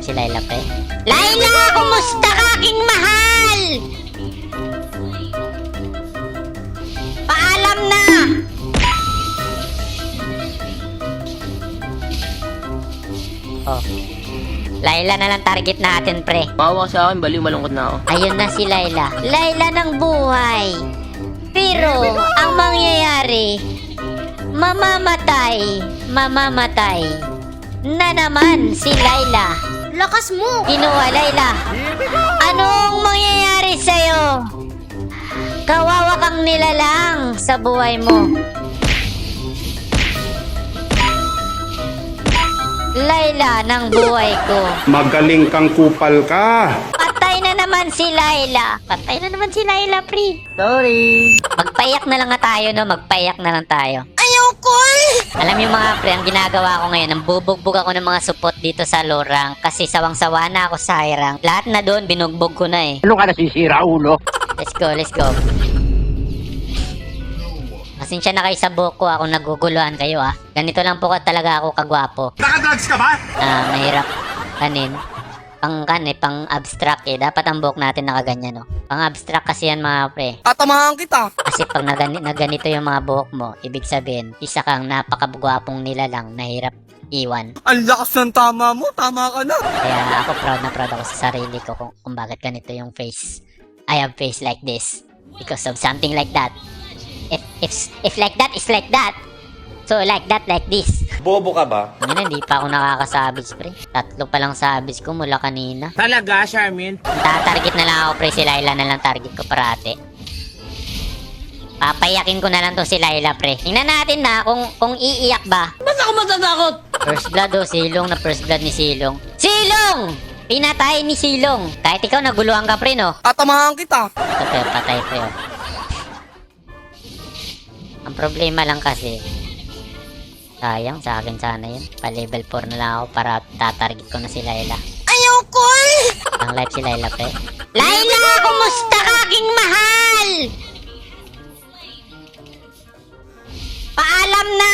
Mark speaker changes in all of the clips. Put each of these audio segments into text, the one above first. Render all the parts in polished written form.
Speaker 1: live si Layla, pre. Layla! Kumusta ka, aking mahal? Paalam na! Oh. Layla na lang target natin, pre.
Speaker 2: Bawa sa akin, baliw, malungkot na ako.
Speaker 1: Ayun na si Layla. Layla ng buhay. Pero, ang mangyayari, mamamatay na naman si Layla.
Speaker 3: Lakas mo!
Speaker 1: Kinuha, Layla. Anong mangyayari sa'yo? Kawawa kang nilalang sa buhay mo. Layla ng buhay ko.
Speaker 4: Magaling kang kupal ka.
Speaker 1: Patay na naman si Layla. Patay na naman si Layla, pre.
Speaker 2: Sorry.
Speaker 1: Magpayak na lang nga tayo, no? Magpayak na lang tayo.
Speaker 3: Ayoko
Speaker 1: Alam niyo mga pre, ang ginagawa ko ngayon, ang bubugbog ako ng mga support dito sa low rank kasi sawang-sawa na ako sa high rank. Lahat na doon, binugbog ko na eh.
Speaker 5: Ano ka nasisira, ulo?
Speaker 1: Let's go, let's go. Pasensya na kayo sa buhok ko, ako naguguluhan kayo ah. Ganito lang po talaga ako kagwapo.
Speaker 4: Nakadrugs ka ba?
Speaker 1: Mahirap kanin. Pang abstract eh. Dapat ang buhok natin nakaganyan no. Pang abstract kasi yan mga pre.
Speaker 2: Tatamahan kita.
Speaker 1: Kasi pag naganito yung mga buhok mo, ibig sabihin, isa kang napakagwapong nilalang na hirap iwan.
Speaker 2: Ang lakas ng tama mo, tama ka na.
Speaker 1: Kaya ako proud na proud ako sa sarili ko kung bakit ganito yung face. I have face like this. Because of something like that. If like that is like that. So like that, like this.
Speaker 6: Bobo ka ba?
Speaker 1: Ngayon, hindi pa ako nakakasabis, pre. 3 pa lang sabis ko mula kanina.
Speaker 2: Talaga, Charmin?
Speaker 1: Tatarget na lang ako, pre. Si Layla na lang target ko parate. Papayakin ko na lang to si Layla, pre. Tingnan natin na kung iiyak ba.
Speaker 2: Ba't ako matatakot?
Speaker 1: First blood, oh. Silong na first blood ni Silong. Silong! Pinatay ni Silong. Kahit ikaw naguluhan ka, pre, no?
Speaker 2: Tatamahan kita.
Speaker 1: Ito, pre. Patay, pre, oh. Ang problema lang kasi, sayang, sa akin sana yun. Pa-level 4 na lang ako para tatarget ko na si Layla.
Speaker 3: Ayoko
Speaker 1: Ang live si Layla, pre. Layla! Kumusta ka, aking mahal? Paalam na!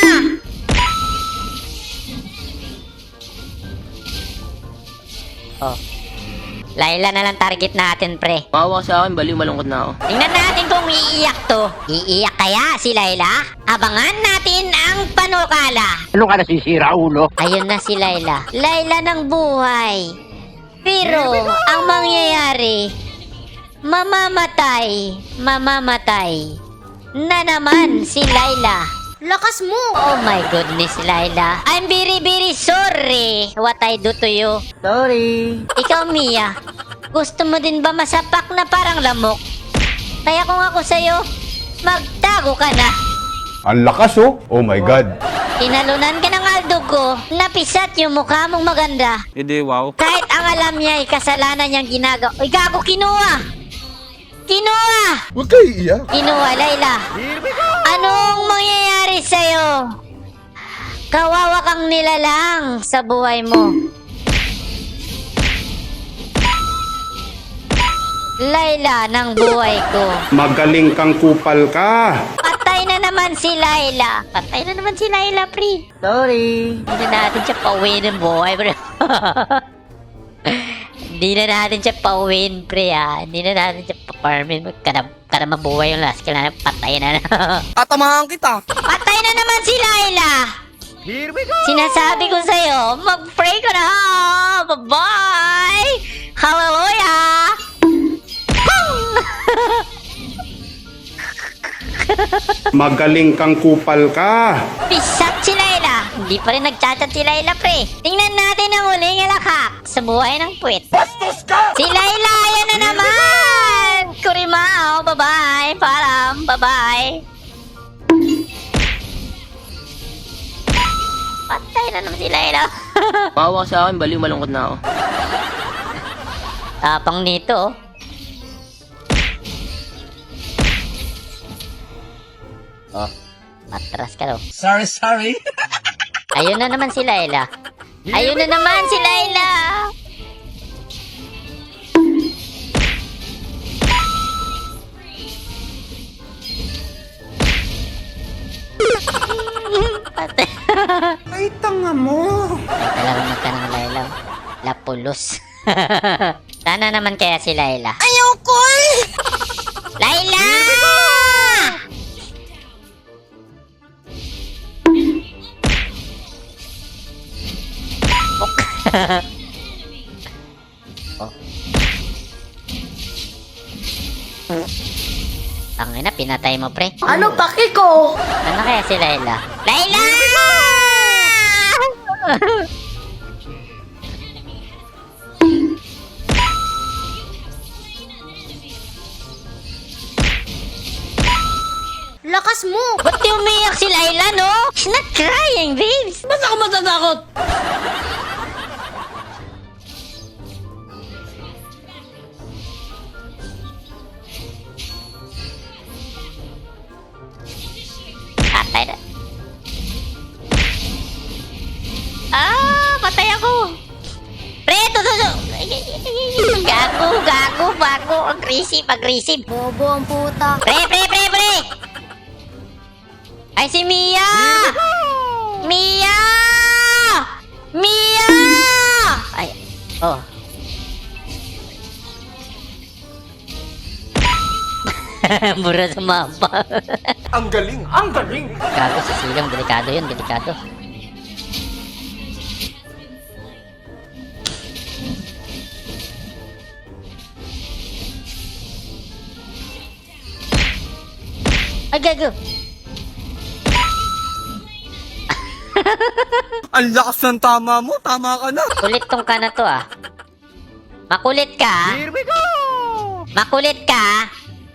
Speaker 1: Oh. Layla na lang target natin, pre.
Speaker 2: Bawa sa akin, baliw, malungkot na ako.
Speaker 1: Tingnan natin kung iiyak to. Iiyak kaya si Layla? Abangan natin ang panukala.
Speaker 5: Ano ka nasisira, ulo?
Speaker 1: Ayun na si Layla. Layla ng buhay. Pero, ang mangyayari, mamamatay na naman si Layla.
Speaker 3: Lakas mo!
Speaker 1: Oh my goodness, Layla. I'm very, very sorry what I do to you.
Speaker 2: Sorry.
Speaker 1: Ikaw, Mia, gusto mo din ba masapak na parang lamok? Kaya kung ako sa'yo, magtago ka na.
Speaker 4: Ang lakas oh. Oh my God.
Speaker 1: Tinalunan ka ng aldog ko, napisat yung mukha mong maganda.
Speaker 6: Hindi, wow.
Speaker 1: Kahit ang alam niya ay kasalanan niyang ginagawa. Uy, gago, kinuha! Kinuha!
Speaker 4: Huwag kayo iiyak.
Speaker 1: Kinuha, Layla. Anong mangyayari sa'yo? Kawawa kang nilalang sa buhay mo. Layla ng buhay ko.
Speaker 4: Magaling kang kupal ka.
Speaker 1: Patay na naman si Layla. Patay na naman si Layla, pre.
Speaker 2: Sorry.
Speaker 1: Hindi na natin siya pauwi ng buhay, pre. Hindi na natin siya pauwiin, pre, ha. Hindi na natin siya pa-farmin. Kada mabuhay yung last. Kailangan patay na.
Speaker 2: Tatamahan kita.
Speaker 1: Patay na naman si Layla. Sinasabi ko sa'yo, mag-pray ka na. Bye-bye. Hallelujah.
Speaker 4: Magaling kang kupal ka.
Speaker 1: Pisat si Layla. Hindi pa rin nagchat-chat si Layla, pre. Tingnan natin ang huling alakak sa buhay ng puwit.
Speaker 4: Bastos ka!
Speaker 1: Si Layla, yan na naman! Kurimao, bye-bye. Param, bye-bye. Patay na naman si Layla.
Speaker 2: Bawa sa akin, baliw, malungkot na ako.
Speaker 1: Tapang nito, oh. Oh, atras ka daw.
Speaker 2: Sorry.
Speaker 1: Ayun na naman si Layla. Ayun na naman si Layla. Patay.
Speaker 4: Ay, tanga mo.
Speaker 1: Ay, talagang magka ng Layla. Lapulos. Sana naman kaya si Layla.
Speaker 3: Ayoko eh!
Speaker 1: Layla! Oh. Tangina, pinatay mo, pre.
Speaker 3: Ano paki ko?
Speaker 1: Ano kaya si Layla? Layla!
Speaker 3: Lakas mo!
Speaker 1: Ba't di umiyak si Layla, no? She's not crying, babes.
Speaker 2: Ba't ako matatakot?
Speaker 1: Patay na. Ah, patay ako. Pre, tutuso. Gago. Aggressive.
Speaker 3: Bobo ang puta.
Speaker 1: Pre. Ay, si Mia! Mia! Ay, oh. Mura sa mapa.
Speaker 4: Ang galing.
Speaker 1: Gago sa silang, delikado yun, delikado. Ay, gago.
Speaker 2: Ang lakas ng tama mo. Tama ka na.
Speaker 1: Kulit tong ka na to, ah. Makulit ka.
Speaker 5: Here we go!
Speaker 1: Makulit ka.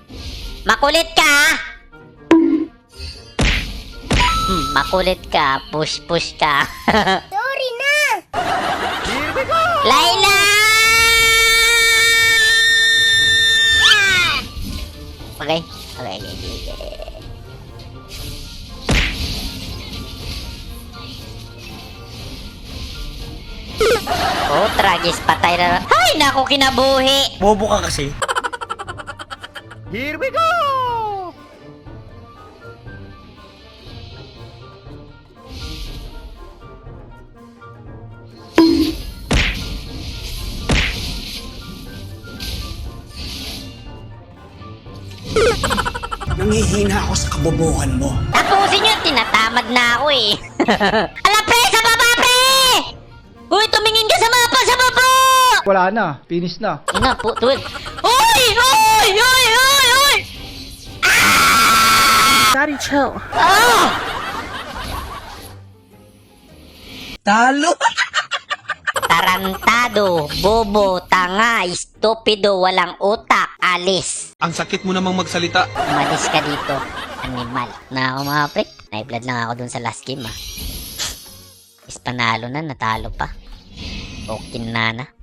Speaker 1: Makulit ka. Push ka.
Speaker 3: Sorry na!
Speaker 5: Here we go!
Speaker 1: Layla! Okay. Oh, tragis, patay na. Ay, naku, kinabuhi.
Speaker 2: Bobo ka kasi.
Speaker 5: Here we go!
Speaker 6: Nangihina ako sa kabobohan mo.
Speaker 1: Tapusin nyo, tinatamad na ako eh. Ala, pre, sa baba, pre! Uy, tumingin ka sa mapa, sa baba!
Speaker 7: Wala na, finish na.
Speaker 1: Ina po, tuwid. Uy!
Speaker 2: Daddy, chill.
Speaker 1: Ah!
Speaker 2: Talo.
Speaker 1: Tarantado, bobo, tanga, stupido, walang utak, alis.
Speaker 8: Ang sakit mo namang magsalita.
Speaker 1: Umalis ka dito, animal. Na ako mga pre, na-blood lang ako dun sa last game ah. Is panalo na, natalo pa. Okay na.